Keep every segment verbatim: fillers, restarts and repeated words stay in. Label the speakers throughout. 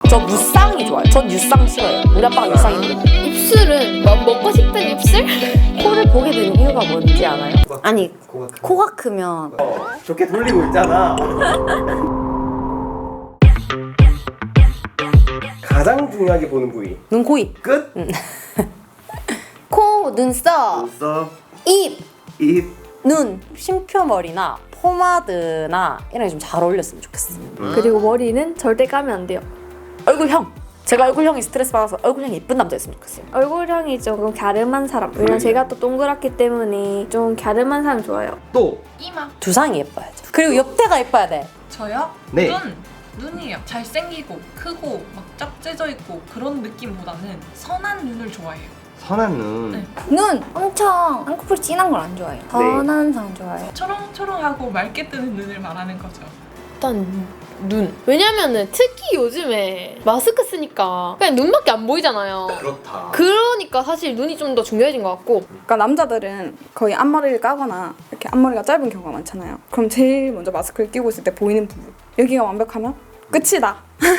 Speaker 1: 저 무쌍이 좋아요. 전 유쌍 싫어요. 우리 아빠가 유쌍이거든요.
Speaker 2: 입술은 뭐 먹고 싶은 입술?
Speaker 1: 코를 보게 되는 이유가 뭔지 알아요? 아니
Speaker 3: 코가 크-
Speaker 1: 코가 크면
Speaker 3: 어, 좋게 돌리고 있잖아. 가장 중요하게 보는 부위
Speaker 1: 눈, 코, 입.
Speaker 3: 끝.
Speaker 1: 코, 눈썹,
Speaker 3: 눈썹,
Speaker 1: 입,
Speaker 3: 입.
Speaker 1: 눈, 쉼표머리나 포마드나 이런 게 좀 잘 어울렸으면 좋겠어요.
Speaker 3: 음.
Speaker 2: 그리고 머리는 절대 까면 안 돼요.
Speaker 1: 얼굴형. 제가 얼굴형이 스트레스 받아서 얼굴형이 예쁜 남자였으면 좋겠어요.
Speaker 2: 얼굴형이 조금 갸름한 사람. 왜냐면 제가 또 동그랗기 때문에 좀 갸름한 사람 좋아요.
Speaker 3: 또
Speaker 4: 이마.
Speaker 1: 두상이 예뻐야죠. 그리고 옆태가 예뻐야 돼.
Speaker 4: 저요?
Speaker 3: 네.
Speaker 4: 눈. 눈이요. 잘생기고 크고 막 짝재져 있고 그런 느낌보다는 선한 눈을 좋아해요.
Speaker 3: 선한 눈.
Speaker 4: 네.
Speaker 5: 눈 엄청 쌍꺼풀 진한 걸 안 좋아해요. 선한 상 좋아해요.
Speaker 4: 초롱초롱하고 맑게 뜨는 눈을 말하는 거죠.
Speaker 2: 일단 눈. 왜냐면은 특히 요즘에 마스크 쓰니까 그냥 눈밖에 안 보이잖아요.
Speaker 3: 그렇다.
Speaker 2: 그러니까 사실 눈이 좀 더 중요해진 것 같고.
Speaker 6: 그러니까 남자들은 거의 앞머리를 까거나 이렇게 앞머리가 짧은 경우가 많잖아요. 그럼 제일 먼저 마스크를 끼고 있을 때 보이는 부분 여기가 완벽하면 끝이다.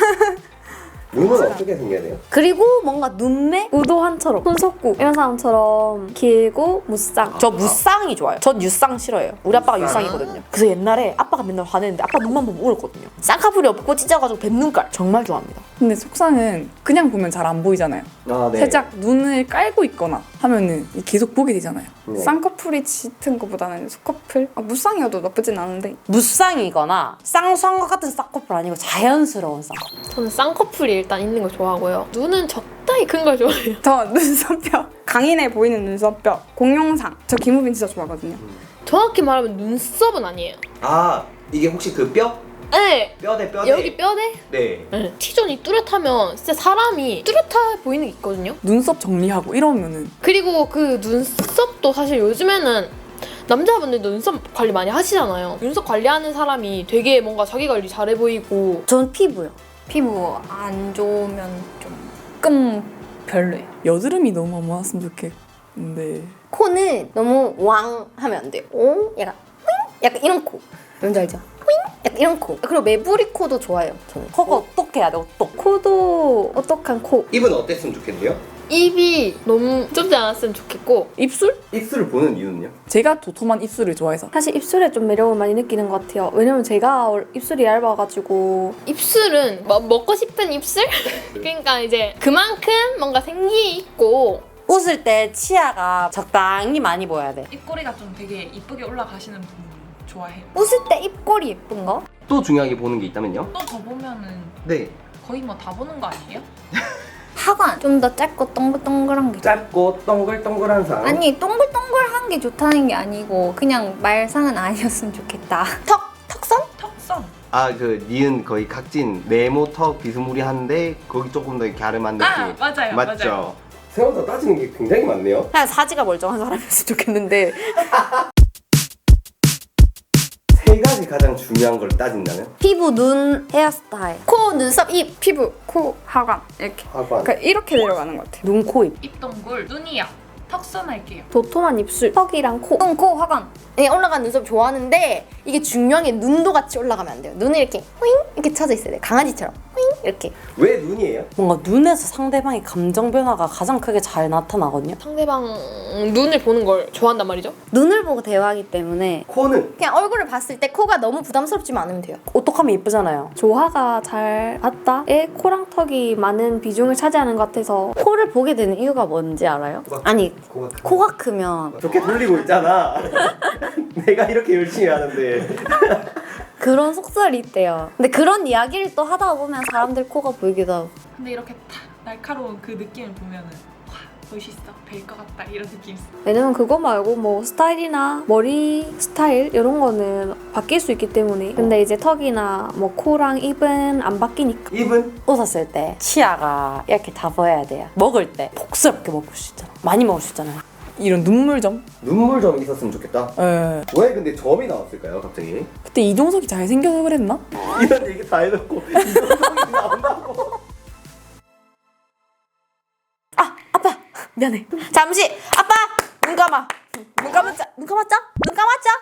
Speaker 3: 눈은 어떻게 생겨야 돼요?
Speaker 1: 그리고 뭔가 눈매?
Speaker 2: 우도환처럼 손석구 이런 사람처럼 길고 무쌍.
Speaker 1: 저 무쌍이 좋아요. 전 유쌍 싫어해요. 우리 아빠가
Speaker 3: 무쌍.
Speaker 1: 유쌍이거든요. 그래서 옛날에 아빠가 맨날 화내는데 아빠 눈만 보면 울었거든요. 쌍꺼풀이 없고 찢어가지고 뱀눈깔 정말 좋아합니다.
Speaker 6: 근데 속상은 그냥 보면 잘 안 보이잖아요.
Speaker 3: 아, 네.
Speaker 6: 살짝 눈을 깔고 있거나 하면은 계속 보게 되잖아요.
Speaker 3: 네.
Speaker 6: 쌍꺼풀이 짙은 것보다는 속꺼풀? 아, 무쌍이어도 나쁘진 않은데
Speaker 1: 무쌍이거나 쌍수한 것 같은 쌍꺼풀 아니고 자연스러운 쌍꺼풀.
Speaker 2: 저는 쌍꺼풀이 일단 있는 걸 좋아하고요. 눈은 적당히 큰 걸 좋아해요.
Speaker 6: 저 눈썹뼈 강인해 보이는 눈썹뼈 공룡상 저 김우빈 진짜 좋아하거든요.
Speaker 2: 정확히 말하면 눈썹은 아니에요.
Speaker 3: 아, 이게 혹시 그 뼈?
Speaker 2: 네.
Speaker 3: 뼈대 뼈대.
Speaker 2: 여기 뼈대?
Speaker 3: 네.
Speaker 2: 네. T존이 뚜렷하면 진짜 사람이 뚜렷해 보이는 게 있거든요.
Speaker 6: 눈썹 정리하고 이러면은
Speaker 2: 그리고 그 눈썹도 사실 요즘에는 남자분들도 눈썹 관리 많이 하시잖아요. 눈썹 관리하는 사람이 되게 뭔가 자기 관리 잘해 보이고.
Speaker 1: 전 피부요.
Speaker 5: 피부 안 좋으면 좀
Speaker 6: 조금 별로예요. 여드름이 너무 안 많았으면 좋겠는데
Speaker 1: 코는 너무 왕 하면 안 돼요. 오? 약간 뿌잉? 약간 이런 코. 뭔지 알죠? 뿌잉? 약간 이런 코. 그리고 매부리 코도 좋아해요. 저는. 코가 어떻게 해야 돼? 어떡?
Speaker 2: 코도 어떡한 코.
Speaker 3: 입은 어땠으면 좋겠는데요?
Speaker 2: 입이 너무 좁지 않았으면 좋겠고.
Speaker 6: 입술?
Speaker 3: 입술을 보는 이유는요?
Speaker 6: 제가 도톰한 입술을 좋아해서
Speaker 2: 사실 입술에 좀 매력을 많이 느끼는 것 같아요. 왜냐면 제가 입술이 얇아가지고 입술은 뭐 먹고 싶은 입술? 그러니까 이제 그만큼 뭔가 생기 있고.
Speaker 1: 웃을 때 치아가 적당히 많이 보여야 돼.
Speaker 4: 입꼬리가 좀 되게 이쁘게 올라가시는 분 좋아해요.
Speaker 5: 웃을 때 입꼬리 예쁜 거?
Speaker 3: 또 중요하게 보는 게 있다면요?
Speaker 4: 또 더 보면은
Speaker 3: 네.
Speaker 4: 거의 뭐 다 보는 거 아니에요?
Speaker 5: 하관 좀 더 짧고 동글동글한 게
Speaker 3: 짧고 동글동글한 상.
Speaker 5: 아니 동글동글한 게 좋다는 게 아니고 그냥 말상은 아니었으면 좋겠다.
Speaker 1: 턱, 턱선?
Speaker 4: 턱선.
Speaker 3: 아, 그 니은 거의 각진 네모 턱 비스무리한데 거기 조금 더 갸름한 느낌.
Speaker 4: 아 맞아요.
Speaker 3: 맞죠?
Speaker 4: 맞아요.
Speaker 3: 생각보다 따지는 게 굉장히 많네요.
Speaker 1: 그냥 사지가 멀쩡한 사람이었으면 좋겠는데
Speaker 3: 세 가지 가장 중요한 걸 따진다면?
Speaker 1: 피부, 눈, 헤어스타일, 코, 눈썹, 입,
Speaker 6: 피부, 코, 하관 이렇게
Speaker 3: 하관.
Speaker 6: 그러니까 이렇게 내려가는 것 같아요.
Speaker 1: 눈, 코, 입.
Speaker 4: 입동굴. 눈이요. 턱선 할게요.
Speaker 2: 도톰한 입술, 턱이랑 코.
Speaker 5: 눈, 코, 하관.
Speaker 1: 네, 올라간 눈썹 좋아하는데 이게 중요한 게 눈도 같이 올라가면 안 돼요. 눈을 이렇게 호잉 이렇게 쳐져 있어야 돼요. 강아지처럼 호잉 이렇게.
Speaker 3: 왜 눈이에요?
Speaker 1: 뭔가 눈에서 상대방의 감정 변화가 가장 크게 잘 나타나거든요.
Speaker 2: 상대방 눈을 보는 걸 좋아한단 말이죠.
Speaker 1: 눈을 보고 대화하기 때문에
Speaker 3: 코는?
Speaker 1: 그냥 얼굴을 봤을 때 코가 너무 부담스럽지만 않으면 돼요. 오똑하면 예쁘잖아요.
Speaker 2: 조화가 잘 맞다에 코랑 턱이 많은 비중을 차지하는 것 같아서.
Speaker 1: 코를 보게 되는 이유가 뭔지 알아요?
Speaker 3: 코가-
Speaker 1: 아니
Speaker 3: 코가 크-
Speaker 1: 코가 크면
Speaker 3: 좋게 돌리고 있잖아. 내가 이렇게 열심히 하는데.
Speaker 1: 그런 속설이 있대요. 근데 그런 이야기를 또 하다 보면 사람들 코가 보이기도 하고.
Speaker 4: 근데 이렇게 탁 날카로운 그 느낌을 보면은 와 멋있어. 될 것 같다 이런 느낌 있어.
Speaker 2: 왜냐면 그거 말고 뭐 스타일이나 머리 스타일 이런 거는 바뀔 수 있기 때문에. 근데 이제 턱이나 뭐 코랑 입은 안 바뀌니까.
Speaker 3: 입은?
Speaker 1: 웃었을 때 치아가 이렇게 다 보여야 돼요. 먹을 때 복스럽게 먹을 수 있잖아. 많이 먹을 수 있잖아요.
Speaker 6: 이런 눈물점?
Speaker 3: 눈물 좀 있었으면 좋겠다.
Speaker 6: 예.
Speaker 3: 왜 근데 점이 나왔을까요, 갑자기?
Speaker 6: 그때 이종석이 잘생겨서 그랬나?
Speaker 3: 이런 얘기 다 해놓고 이런 나온다고.
Speaker 1: 아 아빠 미안해. 잠시 아빠 눈 감아. 눈 감았자. 눈 감았자? 눈 감았자?